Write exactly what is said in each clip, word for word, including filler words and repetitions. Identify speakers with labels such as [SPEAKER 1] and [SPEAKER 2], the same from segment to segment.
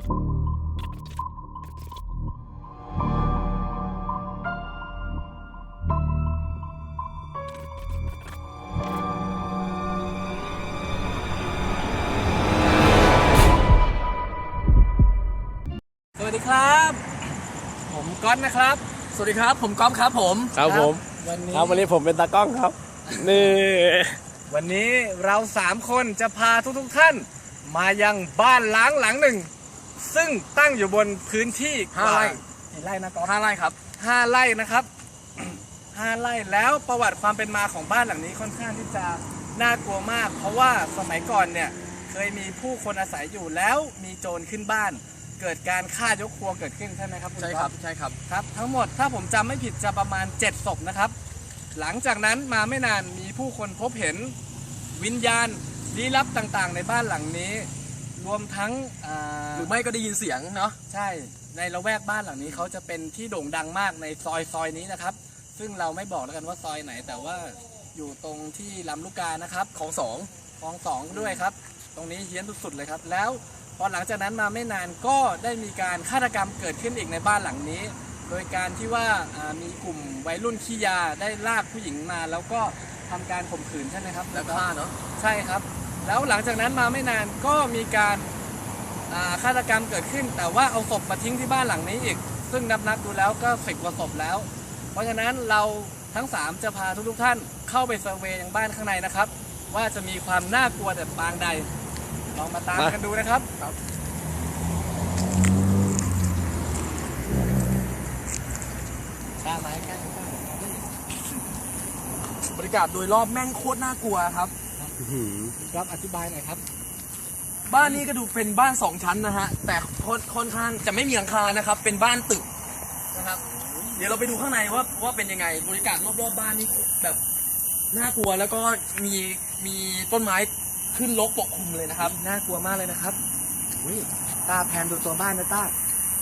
[SPEAKER 1] สวัสดีครับผมก๊อตนะครับสวัสดีครับผมก๊อฟครับผม
[SPEAKER 2] ครับผม
[SPEAKER 1] วันนี้
[SPEAKER 2] ครับวันนี้ผมเป็นตากล้องครับนี่
[SPEAKER 1] วันนี้เราสามคนจะพาทุกๆท่านมายังบ้านล้างหลังหนึ่งซึ่งตั้งอยู่บนพื้นที่ห้าไร่กี่ไร่นะก๊อฟห้าไร่ครับห้าไร่นะครับห้าไร่แล้วประวัติความเป็นมาของบ้านหลังนี้ค่อนข้างที่จะน่ากลัวมากเพราะว่าสมัยก่อนเนี่ยเคยมีผู้คนอาศัยอยู่แล้วมีโจรขึ้นบ้านเกิดการฆ่ายกครัวเกิดขึ้นใช่ไหมครับคุณก๊อฟ
[SPEAKER 2] ใช่ครับใช่ครับ
[SPEAKER 1] ครับทั้งหมดถ้าผมจำไม่ผิดจะประมาณเจ็ดศพนะครับหลังจากนั้นมาไม่นานมีผู้คนพบเห็นวิญญาณลี้ลับต่างๆในบ้านหลังนี้รวมทั้ง
[SPEAKER 2] หรือไม่ก็ได้ยินเสียงเนาะ
[SPEAKER 1] ใช่ในละแวกบ้านหลังนี้เขาจะเป็นที่โด่งดังมากในซอยซอยนี้นะครับซึ่งเราไม่บอกแล้วกันว่าซอยไหนแต่ว่าอยู่ตรงที่ลำลูกกานะครับ
[SPEAKER 2] ของสอง
[SPEAKER 1] ของสองด้วยครับตรงนี้เฮี้ยนสุดๆเลยครับแล้วพอหลังจากนั้นมาไม่นานก็ได้มีการฆาตกรรมเกิดขึ้นอีกในบ้านหลังนี้โดยการที่ว่ามีกลุ่มวัยรุ่นขี้ยาได้ลากผู้หญิงมาแล้วก็ทำการข่มขืนใช่ไหมครับ
[SPEAKER 2] แล้วฆ่าเนาะ
[SPEAKER 1] ใช่ครับแล้วหลังจากนั้นมาไม่นานก็มีการฆาตกรรมเกิดขึ้นแต่ว่าเอาศพมาทิ้งที่บ้านหลังนี้อีกซึ่งนับนับดูแล้วก็สิบกว่าศพแล้วเพราะฉะนั้นเราทั้งสามจะพาทุกๆท่านเข้าไปเซอร์เวย์ยังบ้านข้างในนะครับว่าจะมีความน่ากลัวแต่ปางใดลองมาตามกันดูนะครับกล้าไหมกล้า
[SPEAKER 2] บรรยากาศโดยรอบแม่งโคตรน่ากลัวครับ
[SPEAKER 1] ครับอธิบายหน่อยครับ
[SPEAKER 2] บ้านนี้ก็ดูเป็นบ้านสองชั้นนะฮะแต่ค่อนข้างจะไม่มีหลังคานะครับเป็นบ้านตึกนะครับเดี๋ยวเราไปดูข้างในว่าว่าเป็นยังไงบรรยากาศรอบๆบ้านนี่แบบน่ากลัวแล้วก็มีมีต้นไม้ขึ้นรกปกคลุมเลยนะครับ
[SPEAKER 1] น่ากลัวมากเลยนะครับตาแพนดูตัวบ้านนะตา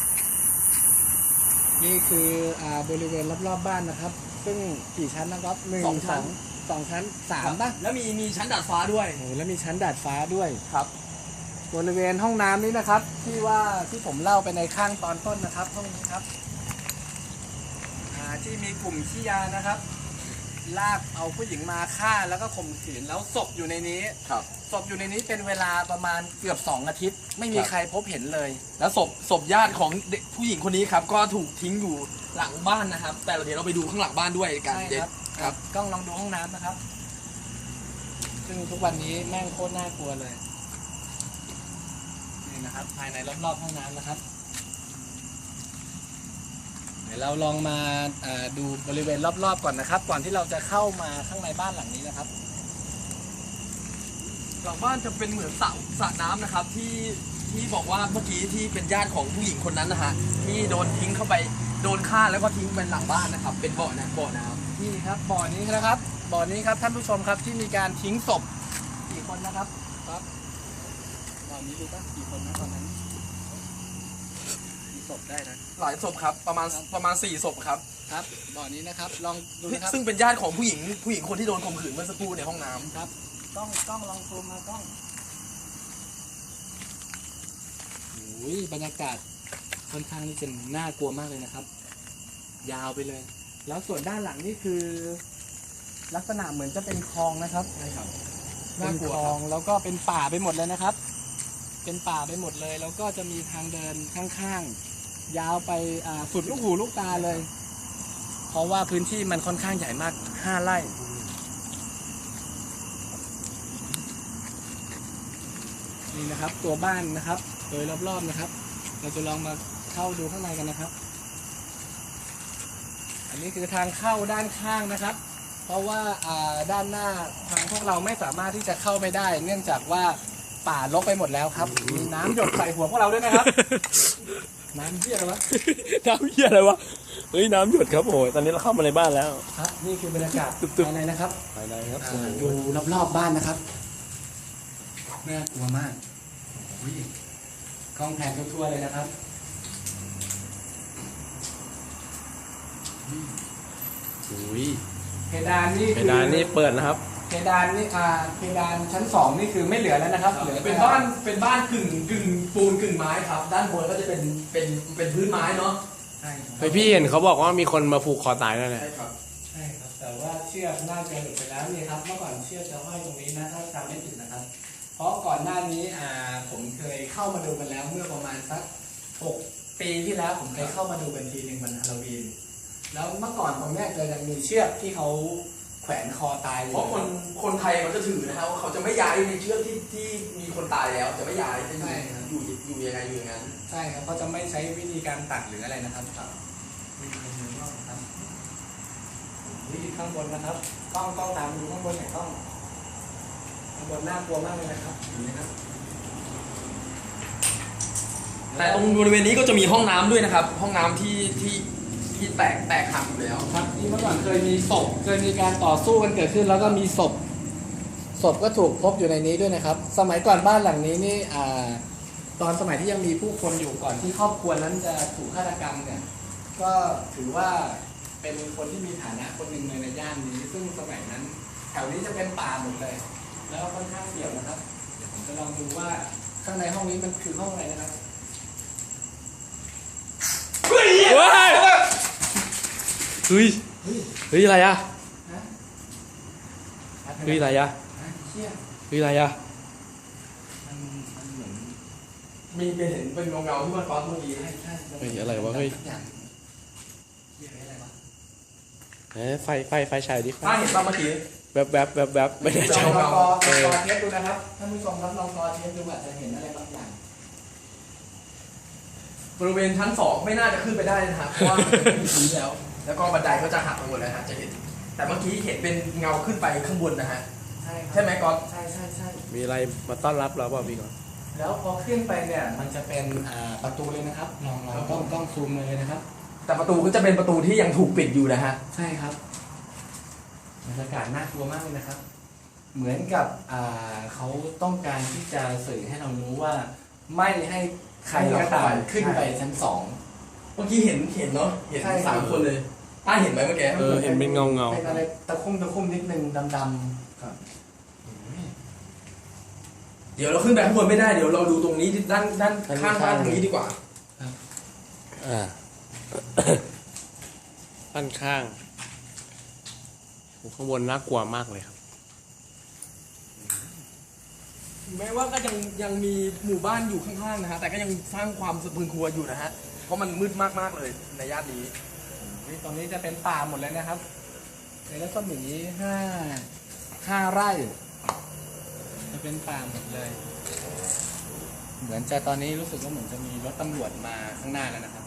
[SPEAKER 1] นี่คืออ่าบริเวณรอบๆบ้านนะครับซึ่งกี่ชั้นนะครับหนึ่งสองชั้นสองชั้นสามป่ะ
[SPEAKER 2] แล้วมีมีชั้นดาดฟ้าด้วย
[SPEAKER 1] โอ้แล้วมีชั้นดาดฟ้าด้วย
[SPEAKER 2] ครับ
[SPEAKER 1] บริเวณห้องน้ำนี้นะครับที่ว่าที่ผมเล่าไปในข้างตอนต้นนะครับห้องนี้ครับอ่าที่มีกลุ่มขี้ยานะครับลากเอาผู้หญิงมาฆ่าแล้วก็ข่มขืนแล้วศพอยู่ในนี้
[SPEAKER 2] ครับ
[SPEAKER 1] ศพอยู่ในนี้เป็นเวลาประมาณเกือบสองอาทิตย์ไม่มีใครพบเห็นเลย
[SPEAKER 2] แล้วศพศพญาติของเด็กผู้หญิงคนนี้ครับก็ถูกทิ้งอยู่หลังบ้านนะครับแต่เดี๋ยวเราไปดูข้างหลังบ้านด้วยกัน
[SPEAKER 1] เด็ดครับกล้องลองดูห้องน้ำนะครับซึ่งทุกวันนี้แม่งโคตรน่ากลัวเลยนี่นะครับภายในรอบๆห้องน้ำนะครับเดี๋ยวเราลองมาดูบริเวณรอบๆก่อนนะครับก่อนที่เราจะเข้ามาข้างในบ้านหลังนี้นะครับ
[SPEAKER 2] หลังบ้านจะเป็นเหมือนสระสระน้ำนะครับที่ที่บอกว่าเมื่อกี้ที่เป็นญาติของผู้หญิงคนนั้นนะฮะที่โดนทิ้งเข้าไปโดนฆ่าแล้วก็ทิ้งเป็นหลังบ้านนะครับเป็นบ่อนะบ่อน้ำ
[SPEAKER 1] นี่ครับบ่อนี้นะครับบ่อนี้ครับท่านผู้ชมครับที่มีการทิ้งศพกี่คนนะครับครับบ่อนี้ดูป่ะกี่คนนะตอนนั้นกี่ศพได้นะ
[SPEAKER 2] หลายศพครับประมาณประมาณสี่ศพครับ
[SPEAKER 1] ครับบ่อนี้นะครับลองดูนะครับ
[SPEAKER 2] ซึ่งเป็นญาติของผู้หญิงผู้หญิงคนที่โดนข่มขืนเมื่อสักครู่ในห้องน้ำ
[SPEAKER 1] ครับกล้องกล้องลองซูมมากล้องโอ้ยบรรยากาศค่อนข้างที่จะน่ากลัวมากเลยนะครับยาวไปเลยแล้วส่วนด้านหลังนี่คือลักษณะเหมือนจะเป็นคลองนะครับ
[SPEAKER 2] ใช่ครับ
[SPEAKER 1] เป็นคลองแล้วก็เป็นป่าไปหมดเลยนะครับเป็นป่าไปหมดเลยแล้วก็จะมีทางเดินข้างๆยาวไปสุดลูกหูลูกตาเลยเพราะว่าพื้นที่มันค่อนข้างใหญ่มากห้าไร่นี่นะครับตัวบ้านนะครับโดยรอบๆนะครับเราจะลองมาเข้าดูข้างในกันนะครับอันนี้คือทางเข้าด้านข้างนะครับเพราะว่าด้านหน้าทางพวกเราไม่สามารถที่จะเข้าไปได้เนื่องจากว่าป่ารกไปหมดแล้วครับมีน้ำหยดใส่หัวพวกเราด้วยนะครับน้ำเหี้ยอะไรวะ
[SPEAKER 2] น้ำเหี้ยอะไรวะเฮ้ยน้ำหยดครับโอ้ยตอนนี้เราเข้ามาในบ้านแล้ว
[SPEAKER 1] ครับนี่คือบรรยากาศภายในนะครับ
[SPEAKER 2] ภายในครับ
[SPEAKER 1] ดูรอบๆบ้านนะครับน่ากลัวมากกล้องแผนทั่วๆเลยนะครับ
[SPEAKER 2] อุ้ย
[SPEAKER 1] เพดานนี่
[SPEAKER 2] เพดานนี่เปิดนะครับ
[SPEAKER 1] เพดานนี่อ่าเพดานชั้นสองนี่คือไม่เหลือแล้วนะครับเหลือ
[SPEAKER 2] เป็นบ้านเป็นบ้านกึ่งกึ่งปูนกึ่งไม้ครับ ด้านบนก็จะเป็นเป็นเป็นพื้นไม้เนาะ
[SPEAKER 1] ใช่ครับ
[SPEAKER 3] ไปพี่เห็นเขาบอกว่ามีคนมาผูกคอตายแล้วเนี่ย
[SPEAKER 2] ใช่ครับ
[SPEAKER 1] ใช่ครับแต่ว่าเชือกน่าจะหลุดไปแล้วนี่ครับเมื่อก่อนเชือกจะห้อยตรงนี้นะถ้าจำไม่ผิดนะครับ เพราะก่อนหน้านี้อ่าผมเคยเข้ามาดูกันแล้วเมื่อประมาณสักหกปีที่แล้วผมเคยเข้ามาดูกันทีหนึ่งวันฮาโลวีนแล้วเมื่อก่อนตรงเนี้ยจะยังมีเชือกที่เขาแขวนคอตายอยู่
[SPEAKER 2] เพราะคนคนไทยเขาจะถือนะครับว่าเขาจะไม่ย้ายในเชือกที่ที่มีคนตายแล้วจะไม่ย้ายจะอยู่อยู่อยู่ยังไงอยู่อย่างนั้น
[SPEAKER 1] ใช่ครับเขาจะไม่ใช้วิธีการตัดหรืออะไรนะครับครับมีคนมือรอบครับนี่ข้างบนนะครับกล้องกล้องตามดูข้างบนหน่อยกล้องข้างบนน่ากลัวมากเลยนะครับอย่างนี้นะครับ
[SPEAKER 2] แต่ตรงบริเวณนี้ก็จะมีห้องน้ำด้วยนะครับ ห้องน้ำที่ที่ที่แตกแตกหักอยู่แล้ว
[SPEAKER 1] ครับที่เมื่อก่อนเคยมีศพเคยมีการต่อสู้กันเกิดขึ้น แล้วก็มีศพศพก็ถูกพบอยู่ในนี้ด้วยนะครับ สมัยก่อนบ้านหลังนี้นี่อ่าตอนสมัยที่ยังมีผู้คนอยู่ก่อนที่ครอบครัวนั้นจะถูกฆาตกรรมเนี่ยก็ถือว่าเป็นคนที่มีฐานะคนหนึ่งเลยในย่านนี้ ซึ่งสมัยนั้นแถวนี้จะเป็นป่าหมดเลย แล้วก็ค่อนข้างเสี่ยวนะครับเดี๋ยวผมจะลองดูว่าข้างในห้องนี้มันคือห้องอะไรนะครับ
[SPEAKER 3] ว้ายเฮ้ย
[SPEAKER 1] เฮ้ย
[SPEAKER 3] เฮ้ยอะไรอะ
[SPEAKER 1] ฮะ
[SPEAKER 3] เฮ้ยอะไรอะ
[SPEAKER 1] ฮะเชี่ย
[SPEAKER 3] เฮ้ยอะไรอะ
[SPEAKER 1] มันมันเหมือน
[SPEAKER 2] มีเป็นเห็นเป็นเงาเงาๆที่มันฟ้อนเมื่อกี้
[SPEAKER 1] ใช่ใช่
[SPEAKER 3] เฮ้ยอะไรวะเฮ้ย
[SPEAKER 1] สักอย่างเรียกอะไรวะ
[SPEAKER 3] เอ้ยไฟไฟไฟฉายดิ
[SPEAKER 2] ถ้าเห็นป่ะเมื่อกี้
[SPEAKER 3] แวบแวบแวบแวบไม่ได้
[SPEAKER 1] ล
[SPEAKER 3] ใจ
[SPEAKER 1] องลองกอ
[SPEAKER 3] เออ
[SPEAKER 1] ลองกอเทสดูนะครับท่านผู้ชมครับลองกอเทสดูอาจจะเห็นอะไรบางอย่าง
[SPEAKER 2] บริเวณชั้นสองไม่น่าจะขึ้นไปได้นะครับเพราะว่ามันไม่มีพื้นแล้ว แล้วก็บันไดก็จะหักไปหมดแล้วฮะจะเห็น แต่เมื่อกี้เห็นเป็นเงาขึ้นไปข้างบนนะฮะ
[SPEAKER 1] ใช่ครับ
[SPEAKER 2] ใช่ไหมก๊อต
[SPEAKER 1] ใช่ใช่ใช่
[SPEAKER 3] มีอะไรมาต้อนรับเราเปล่าพี่ก่อน
[SPEAKER 1] แล้วพอขึ้นไปเนี่ยมันจะเป็นอ่าประตูเลยนะครับลองลองกล้องกล้องซูมเลยนะครับ
[SPEAKER 2] แต่ประตูก็จะเป็นประตูที่ยังถูกปิดอยู่นะฮะ
[SPEAKER 1] ใช่ครับบรรยากาศน่ากลัวมากเลยนะครับ เหมือนกับอ่าเขาต้องการที่จะสื่อให้เรารู้ว่า ไม่ให้ใครก็ตามขึ้นไปชั้นสอง
[SPEAKER 2] เมื่อกี้เห็นเห็นเนาะเห็น
[SPEAKER 1] ใช่
[SPEAKER 2] สามคนเลยป้าเห็นไหมเมื่อกี้
[SPEAKER 3] เออเห็นเป็นเงาเงา
[SPEAKER 1] เป็นอะไรตะคุ่มตะคุ่มนิดนึงดำๆครับ
[SPEAKER 2] เดี๋ยวเราขึ้นไปข้างบนไม่ได้เดี๋ยวเราดูตรงนี้ด้านด้านข้างบ้านตรงนี้ดีกว่า
[SPEAKER 3] อ่า ด้านข้างโอ้ข้างบนน่ากลัวมากเลยครับ
[SPEAKER 2] แม้ว่าก็ยังยังมีหมู่บ้านอยู่ข้างๆนะฮะแต่ก็ยังสร้างความสะพรึงกลัวอยู่นะฮะเพราะมันมืดมากๆเลยในย่านนี้
[SPEAKER 1] นี่ตอนนี้จะเป็นป่าหมดเลยนะครับในรัศมีห้าห้าไร่จะเป็นป่าหมดเลย เหมือนจะตอนนี้รู้สึกว่าเหมือนจะมีรถตำรวจมาข้างหน้าแล้วนะครับ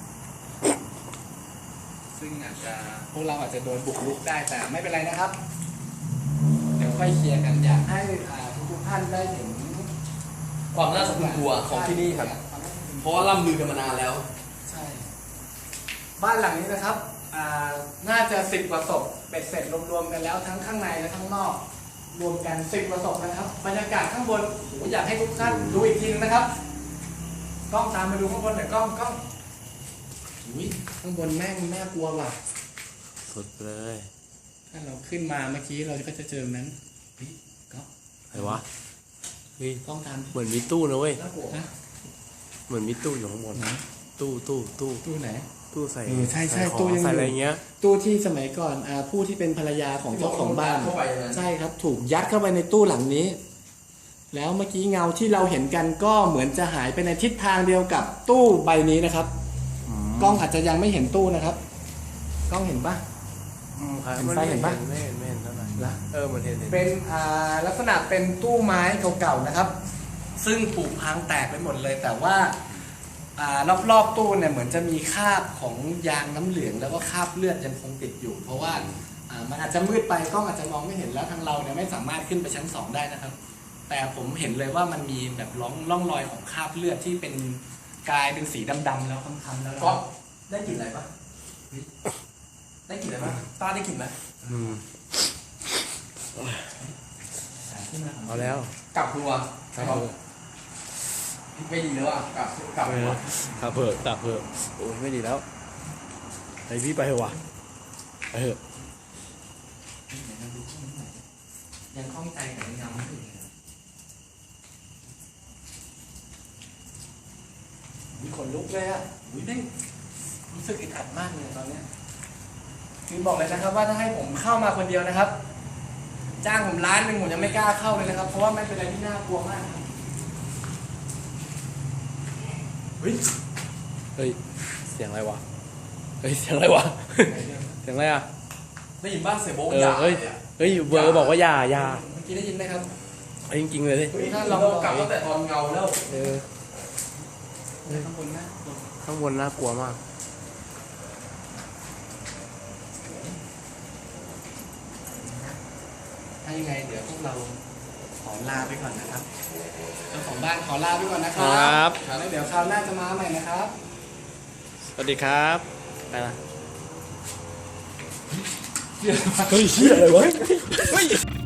[SPEAKER 1] ซึ่งอาจจะพวกเราอาจจะโดนบุกรุกได้แต่ไม่เป็นไรนะครับ เดี๋ยวค่อยเคลียร์กันอยากให้อ่าทุกๆท่านได้เห็น
[SPEAKER 2] ความน่าสะพรึงกลัวของที่นี่ครับ เพราะว่าล่ำลือกันมานานแล้ว
[SPEAKER 1] ใช่ บ้านหลังนี้นะครับอ่าน่าจะสิบกว่าศพเบ็ดเสร็จรวมๆกันแล้วทั้งข้างในและข้างนอก รวมกันสิบกว่าศพนะครับบรรยากาศข้างบนโอ้โหอยากให้ทุกท่านดูอีกทีนึงนะครับกล้องตามมาดูข้างบนหน่อยกล้องกล้องอุ้ยข้างบนแม่งน่ากลัวว่ะ
[SPEAKER 3] สุดเลย
[SPEAKER 1] ถ้าเราขึ้นมาเมื่อกี้เราก็จะเจอนั้นเฮ้ยกล้อง
[SPEAKER 3] อะไรวะเฮ้ย
[SPEAKER 1] กล้องตาม
[SPEAKER 3] เหมือนมีตู้นะเว้ย
[SPEAKER 1] น่ากลัวนะ
[SPEAKER 3] เหมือนมีตู้อยู่ข้างบน
[SPEAKER 1] ไหน
[SPEAKER 3] ตู้ตู้ตู้
[SPEAKER 1] ตู้ไหน
[SPEAKER 3] ตู้ใส่
[SPEAKER 1] เออใช่ใช่
[SPEAKER 3] ของ
[SPEAKER 1] ตู้ยังอยู่
[SPEAKER 3] ใส่อะไรเงี้ย
[SPEAKER 1] ตู้ที่สมัยก่อนอ่าผู้ที่เป็นภรรยาของเจ้าของบ้าน
[SPEAKER 2] เข้าไปนะ
[SPEAKER 1] ใช่ครับถูกยัดเข้าไปในตู้หลังนี้ แล้วเมื่อกี้เงาที่เราเห็นกันก็เหมือนจะหายไปในทิศทางเดียวกับตู้ใบนี้นะครับ กล้องอาจจะยังไม่เห็นตู้นะครับ กล้องเห็นปะ
[SPEAKER 3] อืมครับ
[SPEAKER 1] เห็นไฟเห็นปะ
[SPEAKER 3] ไม่เห็นไม่เห็นเท่าไหร่
[SPEAKER 1] ละ
[SPEAKER 3] เออมันเห็นเห็น
[SPEAKER 1] เป็นอ่าลักษณะเป็นตู้ไม้เก่าๆนะครับ ซึ่งผุพังแตกไปหมดเลย แต่ว่าอ่ารอบๆตู้เนี่ยเหมือนจะมีคราบของยางน้ำเหลืองแล้วก็คราบเลือดยังคงติดอยู่ เพราะว่าอ่ามันอาจจะมืดไปกล้องอาจจะมองไม่เห็นแล้วทางเราเนี่ยไม่สามารถขึ้นไปชั้นสองได้นะครับ แต่ผมเห็นเลยว่ามันมีแบบร่องร่องรอยของคราบเลือดที่เป็นกลายเป็นสีดำๆแล้วค้ำๆแล้ว
[SPEAKER 2] ก๊อฟได้กลิ่นอะไรปะได้กลิ่นอะไรปะป้าได้กลิ่นไหม
[SPEAKER 3] อืม
[SPEAKER 1] ขึ้นมา
[SPEAKER 3] เอาแล้ว
[SPEAKER 2] กลับครัว
[SPEAKER 3] ครับ
[SPEAKER 2] ก๊อฟไม่ดีแล้วอ่ะกลับกลับ
[SPEAKER 3] เอ
[SPEAKER 2] ครั
[SPEAKER 3] อ
[SPEAKER 2] ว
[SPEAKER 3] ขับเถอะขับเถอะโอ้ยไม่ดีแล้วไปพี่ไปเถอะวะไปเถอะ
[SPEAKER 1] ยังคล่องใจกับยังยังไม่ถึงมีขนลุกเลยอ่ะอุ้ยได้รู้สึกอึดอัดมากเลยตอนเนี้ยคือบอกเลยนะครับว่าถ้าให้ผมเข้ามาคนเดียวนะครับ จ้างผมล้านหนึ่งผมยังไม่กล้าเข้าเลยนะครับ เพราะว่ามันเป็นอะไรที่น่ากลัวมากครับเฮ้ย
[SPEAKER 3] เฮ้ย เสียงอะไรวะ เฮ้ย เสียงอะไรวะ เสียงอะไรอ่ะ
[SPEAKER 2] ได้ยินบ้านเสียโบ๊ะ
[SPEAKER 3] เออย
[SPEAKER 2] า
[SPEAKER 3] เฮ้ย
[SPEAKER 2] เนี่ย
[SPEAKER 3] เฮ้ยเบอร์บอกว่าอย่าอย่า
[SPEAKER 1] เมื่อกี้ได้ยินไหมครับ
[SPEAKER 3] เฮ้ยจริงๆเลยดิ
[SPEAKER 1] เฮ้ย
[SPEAKER 2] ถ้า
[SPEAKER 1] ถ้า
[SPEAKER 2] เรา
[SPEAKER 1] ลอง
[SPEAKER 2] กลับตั้งแต่ตอนเงาแล้ว
[SPEAKER 3] เออ
[SPEAKER 1] ข้างบนนะ
[SPEAKER 3] ข้างบนน่ากลัวมาก
[SPEAKER 1] ถ้ายังไงเดี๋ยวพวกเราขอลาไปก่อนนะครับเจ้าของบ้านขอลาไปก่อนนะครั
[SPEAKER 3] ครับ
[SPEAKER 1] แล้วเดี๋ยวคราวหน้าจะมาใหม่นะครับ
[SPEAKER 3] สวัสดีครับไปละ
[SPEAKER 1] เดี๋ยว
[SPEAKER 3] เฮ้ยเชี่ยอะไรวะ
[SPEAKER 1] เฮ้ย